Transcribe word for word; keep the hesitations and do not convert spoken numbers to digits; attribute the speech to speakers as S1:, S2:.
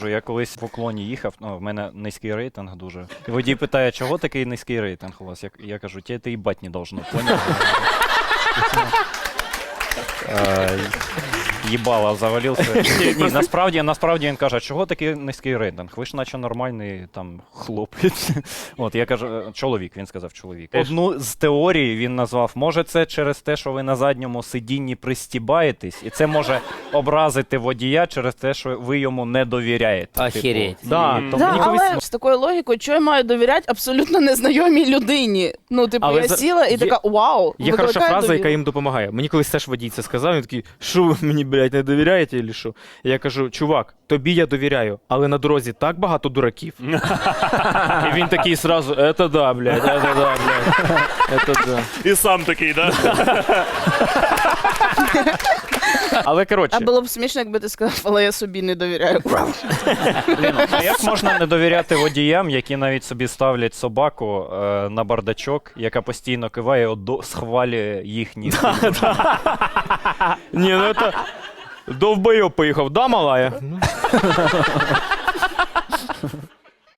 S1: Я колись в уклоні їхав, ну, в мене низький рейтинг дуже. І водій питає, чого такий низький рейтинг у вас? Я, я кажу, тебе це їбать не должно, поняв? Їбало, завалився. Ні, насправді, насправді він каже, чого такий низький рейтинг? Ви ж наче нормальний там хлопець. От, я кажу, чоловік, він сказав чоловік. Одну з теорій він назвав, може це через те, що ви на задньому сидінні пристібаєтесь, і це може образити водія через те, що ви йому не довіряєте.
S2: Охереть.
S1: Типу. Да,
S3: Mm.
S1: то
S3: Да,
S1: мені
S3: але
S1: колись...
S3: з такою логікою, що я маю довіряти абсолютно незнайомій людині? Ну, типу,
S4: Але
S3: я
S4: за-
S3: сіла і
S4: є-
S3: така, вау,
S4: Є хороша
S3: викликає
S4: фраза,
S3: довіру.
S4: яка їм допомагає. Мені колись теж водій це сказав, він такий, що ви мені, блядь, не довіряєте, чи що? Я кажу, чувак, тобі я довіряю, але на дорозі так багато дураків. І він такий сразу, это да, блядь, это да, блядь, это да.
S5: І сам такий, да?
S4: Але, коротше,
S3: А було б смішно, якби ти сказав, але я собі не довіряю.
S1: Блін, а як можна не довіряти водіям, які навіть собі ставлять собаку е, на бардачок, яка постійно киває, от до- схвалює їхні...
S4: ні, ну это... Довбойоб поїхав, да, малая?